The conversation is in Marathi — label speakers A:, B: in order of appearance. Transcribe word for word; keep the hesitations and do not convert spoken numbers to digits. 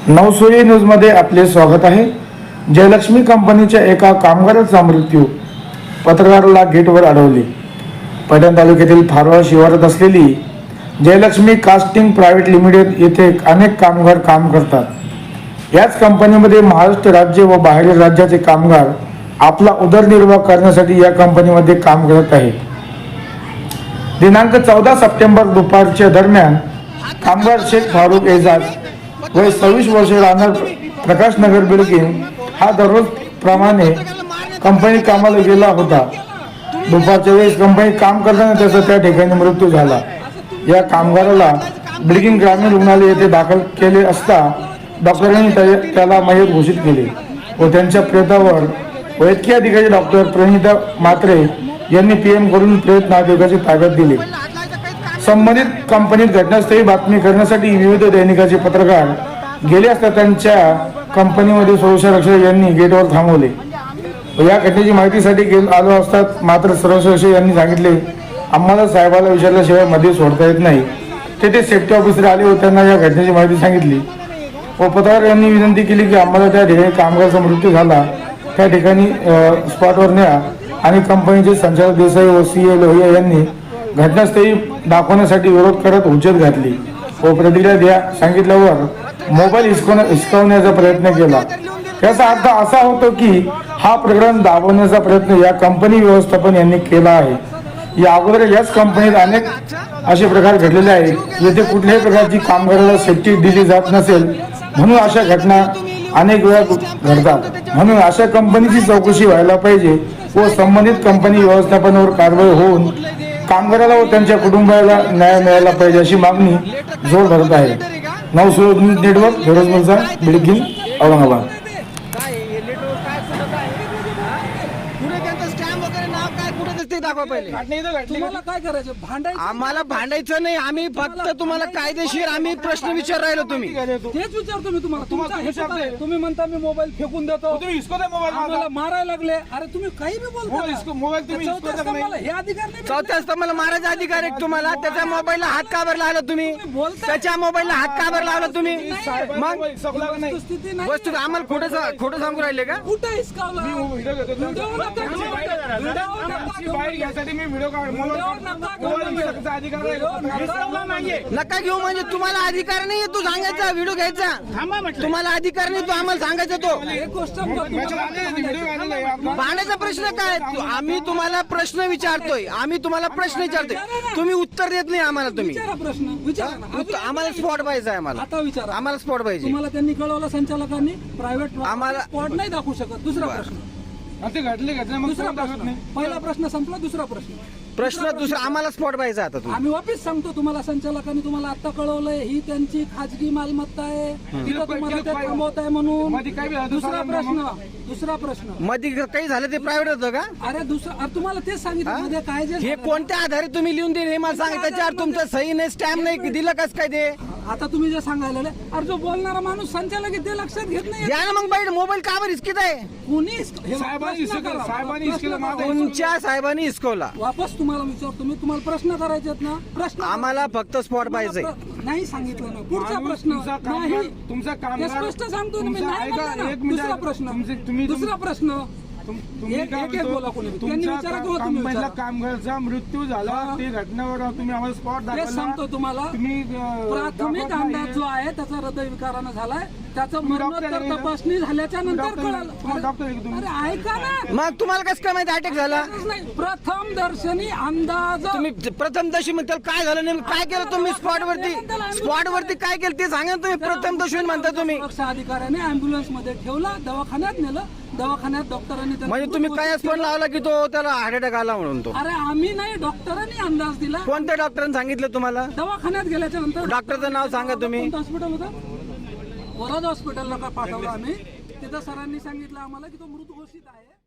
A: नवसोई न्यूजमध्ये आपले स्वागत आहे। जयलक्ष्मी कंपनीच्या एका कामगाराचा मृत्यू, पत्रकाराला गेटवर अडवले। पैठण तालुक्यातील फारवा शिवारात असलेली जयलक्ष्मी कास्टिंग प्रायव्हेट लिमिटेड येथे अनेक कामगार काम करतात। याच कंपनीमध्ये महाराष्ट्र राज्य व बाहेरील राज्याचे कामगार आपला उदरनिर्वाह करण्यासाठी या कंपनीमध्ये काम करत आहेत। दिनांक चौदा सप्टेंबर दुपारच्या दरम्यान कामगार शेख फारुक एजाज वय सव्वीस वर्ष राहणार प्रकाश नगर बिल्डिंग हा दररोज प्रमाणे कंपनी कामाला गेला होता। दुपारच्या वेळेस कंपनी काम करताना त्याचा त्या ठिकाणी मृत्यू झाला। या कामगाराला बिल्डिंग ग्रामीण रुग्णालय येथे दाखल केले असता डॉक्टरांनी त्याला मयत घोषित केले व त्यांच्या प्रेतावर वैद्यकीय अधिकारी डॉक्टर प्रणिता मात्रे यांनी पीएम करून प्रेत नागरिकाची ताब्यात दिली। संबंधित कंपनीत घटनास्थळी बातमी करण्यासाठी विविध दैनिकाचे पत्रकार गेले असता त्यांच्या कंपनीमध्ये सुरक्षा रक्षक यांनी गेटवर थांबवले। या घटनेची माहितीसाठी आलो असतात मात्र सुरक्षा रक्षक यांनी सांगितले, आम्हाला साहेबाला विचारल्याशिवाय मध्ये सोडता येत नाही। तेथे सेफ्टी ऑफिसर आले व त्यांना या घटनेची माहिती सांगितली व पत्रकार यांनी विनंती केली की आम्हाला त्या ठिकाणी कामगाराचा मृत्यू झाला त्या ठिकाणी स्पॉटवर न्या आणि कंपनीचे संचालक देसाई व सी ए लोहिया यांनी घटनास्थळी दाखवण्यासाठी विरोध करत हुज्जत घातली व प्रतिक्रिया द्या सांगितल्यावर मोबाईल हिसकावण्याचा प्रयत्न केला। याचा अर्थ असा होतो की हा प्रकरण दाबवण्याचा प्रयत्न या कंपनी व्यवस्थापन यांनी केला आहे। या अगोदर याच कंपनीत अनेक असे प्रकार घडलेले आहेत येथे कुठल्याही प्रकारची कामगाराला सेफ्टी दिली जात नसेल, म्हणून अशा घटना अनेक वेळा घडतात। म्हणून अशा कंपनीची चौकशी व्हायला पाहिजे व संबंधित कंपनी व्यवस्थापनावर कारवाई होऊन कामगाराला व त्यांच्या कुटुंबाला न्याय मिळाला पाहिजे अशी मागणी जोर धरत आहे। नवसोई news network, Firoz Mirza, building, Aurangabad.
B: तुम्हाला काय करायचं? भांडायचं?
C: आम्हाला भांडायचं नाही, आम्ही फक्त तुम्हाला कायदेशीर आम्ही प्रश्न विचार राहिलो। तुम्ही
B: तेच विचारतो मी तुम्हाला। तुमचा हिशोब आहे। तुम्ही म्हणता मी मोबाईल फेकून देतो, आम्हाला मारायला लागले। अरे तुम्ही काही बी बोलता, मोबाईल तुम्ही हे अधिकार नाही।
C: चौथ्या स्तंभाला मारायचा अधिकार आहे तुम्हाला। त्याच्या मोबाईलला हात का बरं लावला तुम्ही? त्याच्या मोबाईलला हात का बरं लावला तुम्ही? मग
B: स्थिती नाही।
C: वस्तू आम्हाला खोटं खोटं सांगू राहिले का?
B: कुठं हिसकावला?
C: नका घेऊ म्हणजे तुम्हाला अधिकार नाही तू सांगायचा व्हिडिओ घ्यायचा। तुम्हाला अधिकार नाही तू आम्हाला सांगायचा। तो भांडायचा प्रश्न काय? आम्ही तुम्हाला प्रश्न विचारतोय, आम्ही तुम्हाला प्रश्न विचारतोय, तुम्ही उत्तर देत नाही आम्हाला। तुम्ही
B: प्रश्न विचारा,
C: आम्हाला स्पॉट पाहिजे। आम्हाला
B: आता विचारा,
C: आम्हाला स्पॉट पाहिजे।
B: तुम्हाला त्यांनी कळवलं संचालकांनी प्रायव्हेट
C: आम्हाला
B: स्पॉट नाही दाखवू शकत। दुसरा प्रश्न
A: घडले घटना
B: दुसरा प्रश्न पहिला प्रश्न संपला। दुसरा प्रश्न
C: प्रश्न दुसरा आम्हाला स्पॉट पाहिजे। आता तुम्ही
B: आम्ही वापिस सांगतो तुम्हाला, संचालकांनी तुम्हाला आता कळवलंय ही त्यांची खाजगी मालमत्ता आहे, तिथं तुम्हाला ते थांबवत आहे म्हणून। दुसरा प्रश्न दुसरा प्रश्न
C: मध्ये काही झालं ते प्रायव्हेट होतं का?
B: अरे दुसरा तुम्हाला तेच सांगितलं मध्ये काय जे
C: हे कोणत्या आधारे तुम्ही लिहून दिले हे मला सांगा। त्याच्यावर तुमचं सही नाही, स्टॅम्प नाही, दिलं कस काय ते?
B: आता तुम्ही जे सांगायला अरे जो बोलणारा माणूस संचालक ते लक्षात घेत नाही।
C: द्या ना मग बाईट, मोबाईल का बरं हिसकीत आहे?
B: कोणी
C: तुमच्या साहेबांनी हिसकवला।
B: वापस तुम्हाला विचारतो मी, तुम्हाला प्रश्न करायचे ना? प्रश्न
C: आम्हाला फक्त स्पॉट पाहिजे।
B: नाही सांगितलं ना पुढचा प्रश्न नाही,
A: तुमचा काम
B: स्पष्ट सांगतो मी। नाही म्हणलं ना। दुसरा प्रश्न दुसरा प्रश्न
A: कंपनीला कामगाराचा मृत्यू झाला ते घटनेवर तुम्ही आम्हाला स्पॉट दाखवला।
B: सांगतो तुम्हाला,
A: तुम्ही
B: प्राथमिक अंदाज जो आहे त्याचा हृदयविकारानं झालाय, त्याचं मरणोत्तर तपासणी झाल्याच्या नंतर कळालं। अरे ऐका ना,
C: मग तुम्हाला कसं काय माहिती अटॅक झाला?
B: प्रथम दर्शनी अंदाज
C: तुम्ही प्रथम दर्शनी म्हणता काय झालं नेमकं? काय केलं तुम्ही स्पॉट वरती? स्पॉट वरती काय केलं ते सांगा तुम्ही। प्रथम दर्शनी म्हणता तुम्ही?
B: सुरक्षा अधिकाऱ्याने अँब्युलन्स मध्ये ठेवला, दवाखान्यात नेलं, दवाखान्यात डॉक्टरांनी
C: म्हणजे तुम्ही काय स्पॉट लावला की तो त्याला हार्ट अटॅक आला म्हणून? तो
B: अरे आम्ही नाही, डॉक्टरांनी अंदाज दिला।
C: कोणत्या डॉक्टरांनी सांगितलं तुम्हाला?
B: दवाखान्यात गेल्याच्या नंतर
C: डॉक्टरचं नाव सांगा तुम्ही।
B: हॉस्पिटल होतं, वरद हॉस्पिटलला का पाठवलं आम्ही, तिथं सरांनी सांगितलं आम्हाला की तो मृत घोषित आहे।